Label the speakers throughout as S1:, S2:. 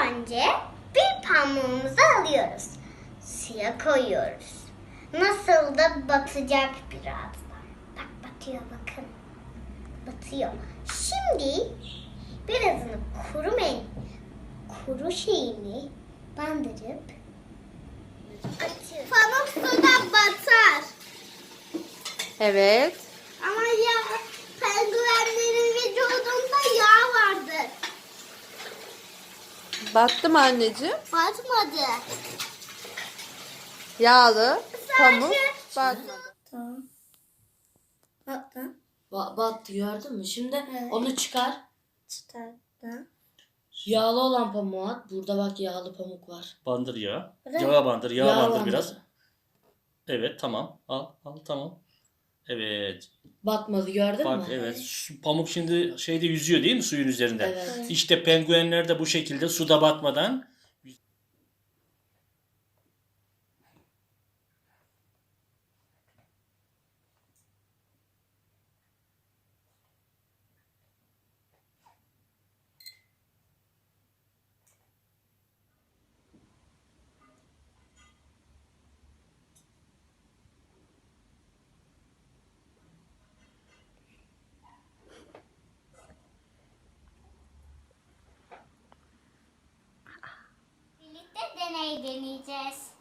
S1: önce bir pamuğumuzu alıyoruz. Suya koyuyoruz. Nasıl da batacak birazdan. Bak batıyor bakın. Batıyor. Şimdi birazını kuru şeyini bandırıp atıyoruz. Pamuk suda batar.
S2: Evet.
S1: Ama ya penguenlerin vücudunda yağ vardır.
S2: Battı mı anneciğim?
S1: Batmadı.
S2: Yağlı pamuk
S1: Sadece-
S2: batmadı.
S1: Tamam. Battı.
S3: Battı, gördün mü? Şimdi
S1: Evet.
S3: onu çıkar.
S1: Çıkarttı.
S3: Yağlı olan pamuğu at. Burada bak, yağlı pamuk var.
S4: Bandır yağı.
S1: Evet.
S4: Yağa bandır. Yağa
S3: Yağ
S4: bandır
S3: bandır.
S4: biraz. Evet tamam. Al tamam. Evet.
S3: Batmadı, gördün
S4: Bak
S3: mü?
S4: evet. Pamuk şimdi şeyde yüzüyor değil mi suyun üzerinde?
S3: Evet.
S4: İşte penguenler de bu şekilde suda batmadan
S1: Birlikte deney deneyeceğiz.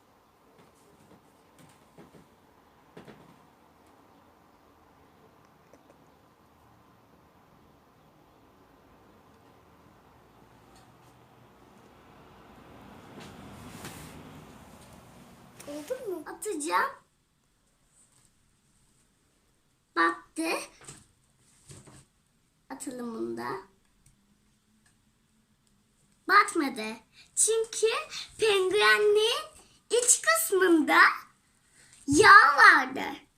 S1: Oldu mu? Atacağım. Battı. Atılımında. Batmadı. Çünkü penguenin iç kısmında yağ vardı.